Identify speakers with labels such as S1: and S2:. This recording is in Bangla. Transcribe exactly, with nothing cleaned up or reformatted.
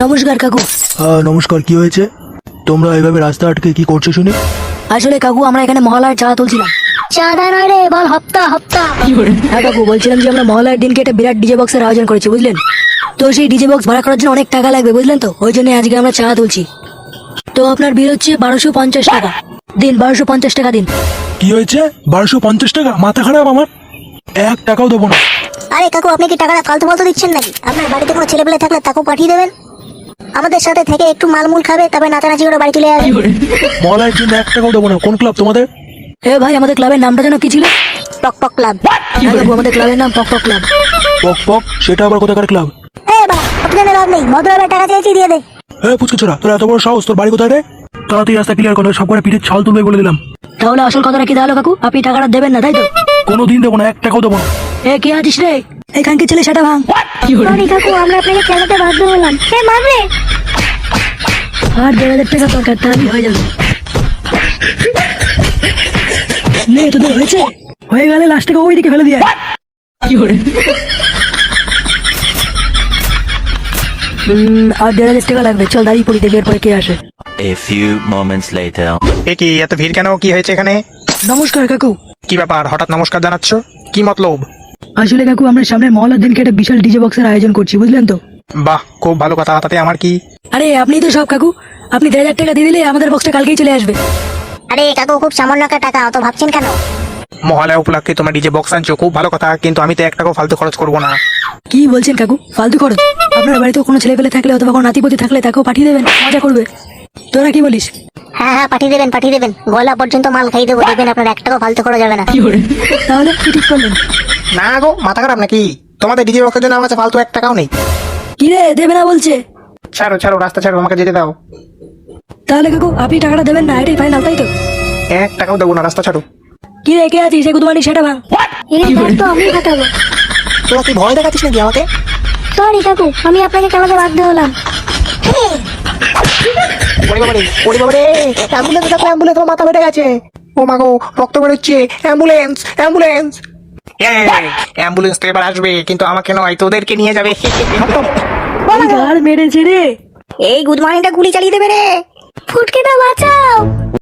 S1: নমস্কার কাকু।
S2: হ্যাঁ নমস্কার, কি হয়েছে? তোমরা এইভাবে রাস্তা আটকে কি করছো শুনি?
S1: আসলে কাকু আমরা এখানে মহলার চা তুলছিলাম। চাঁদা নয় রে, বল হপ্তা হপ্তা। হ্যাঁ কাকু, বলছিলাম যে আমরা মহলার দিনকে একটা বিরাট ডিজে বক্সের আয়োজন করেছি, বুঝলেন তো? সেই ডিজে বক্স ভাড়া করার জন্য অনেক টাকা লাগবে, বুঝলেন তো? ওই জন্য আজকে আমরা চা তুলছি। তো আপনার বিল হচ্ছে বারোশো পঞ্চাশ টাকা দিন। বারোশো পঞ্চাশ টাকা দিন।
S2: কি হয়েছে? বারোশো পঞ্চাশ টাকা? মাথা খারাপ আমার, এক টাকাও দেবো না।
S3: আরে কাকু, আপনি কি টাকাটা ফালতু ফালতু দিচ্ছেন নাকি? আপনার বাড়িতে কোনো ছেলে পেলে থাকলে তাকেও পাঠিয়ে দেবেন, আমাদের সাথে থেকে একটু মালমুল খাবে, তারপরে নাচানাচি করে বাড়ি চলে যাবে।
S2: মহলার জন্য এক টাকাও দেবো না। কোন ক্লাব তোমাদের?
S1: এ ভাই, আমাদের ক্লাবের নামটা যেন কি ছিল?
S3: পক পক ক্লাব।
S1: হ্যাঁ কাকু, আমাদের ক্লাবের নাম পক পক ক্লাব।
S2: পক পক? সেটা আবার কোথাকার ক্লাব?
S3: এ বাবা, আপনাদের লাভ নেই, ভদ্রভাবে টাকা চেয়েছি, দিয়ে দে।
S2: হ্যাঁ পুচকে ছোড়া, তোর এত বড় সাহস, তোর বাড়ি কোথায় রে? তাড়াতাড়ি রাস্তা ক্লিয়ার করো, সব করে পিঠের ছাল তুলবে বলে দিলাম।
S1: তাহলে আসল কথাটা কি তাহলে কাকু? আপনি টাকাটা দেবেন না, তাই তো?
S2: কোনো দিন দেবো না, এক টাকাও দেবো না।
S1: এ কে আছিস রে? এখানকে ছেলে সেটা ভাঙ।
S3: সরি কাকু, আমরা আপনাকে খেলাতে বাধ্য হলাম। এ মারবে।
S1: আর দেড় হাজার টাকা দরকার, তাহলেই হয়ে যাবে। নে, তোদের হয়েছে? হয়ে গেলে লাস্টে ওই দিকে ফেলে দিয়ে আয়। উম, আর দেড় হাজার টাকা লাগবে। চল দাঁড়িয়ে পড়ি, দেখি এরপরে কে আসে।
S4: A few moments later.
S5: এ কি এত ভিড় কেন? কি হয়েছে এখানে?
S1: নমস্কার কাকু।
S5: কি ব্যাপার, হঠাৎ নমস্কার জানাচ্ছ? কি মতলব?
S1: আসলে কাকু, আমরা সামনে মহলার দিনকে একটা বিশাল ডিজে বক্সের আয়োজন করছি, বুঝলেন তো?
S5: বাহ, খুব ভালো কথা। তাতে আমার কি?
S1: আরে আপনি তো সব কাকু। আপনি দেড় হাজার টাকা দিয়ে দিলে আমাদের বক্সটা কালকেই চলে আসবে।
S3: আরে কাকু, খুব সামান্য একটা টাকা, অত ভাবছেন কেন?
S5: মহলায় উপলক্ষে তোমার ডিজে বক্স আনছো, খুব ভালো কথা, কিন্তু আমি তো এক টাকাও ফালতু খরচ করবো না।
S1: কি বলছেন কাকু? ফালতু খরচ? আপনার বাড়িতে কোনো ছেলে পেলে থাকলে অথবা কোনো নাতিপতি থাকলে তাকেও পাঠিয়ে দেবেন, মজা করবে। তোরা কি বলিস?
S3: হ্যাঁ হ্যাঁ, পাঠিয়ে দেবেন, পাঠিয়ে দেবেন, গলা পর্যন্ত মাল খাই দেবো, দেখবেন আপনার এক টাকাও ফালতু করা যাবে না।
S1: তাহলে কি ঠিক করলেন?
S5: না গো, মাথা খারাপ নাকি? তোমাদের ডিজে বক্সের জন্য আমার কাছে ফালতু এক টাকাও নেই।
S1: কি রে, দেবে না বলছে?
S5: ছাড়ো ছাড়ো, রাস্তা ছাড়ো, আমাকে যেতে দাও।
S1: তাহলে কাকু আপনি টাকাটা দেবেন না, এটাই ফাইনাল, তাই তো?
S5: এক টাকাও দেবো না, রাস্তা ছাড়ো।
S1: কি রে, কে আছিস? সে কুতুমানি সেটা ভাঙ।
S3: এই ব্যাগ তো আমি ফাটাবো।
S5: তোরা কি ভয় দেখাচ্ছিস নাকি আমাকে?
S3: সরি কাকু, আমি আপনাকে খেলাতে বাধ্য হলাম।
S5: ওরে বাবারে, ওরে বাবারে, অ্যাম্বুলেন্স দেখো, অ্যাম্বুলেন্স, আমার মাথা ফেটে গেছে। ও মা গো, রক্ত বেরোচ্ছে। Ambulance, ambulance. অ্যাম্বুলেন্স তো এবার আসবে, কিন্তু আমাকে নয়, তোদেরকে নিয়ে যাবে।
S1: গাল মেরেছে রে।
S3: এই গুড মর্নিংটা গুলি চালিয়ে দেবে রে। ফুটকেটা বাঁচাও।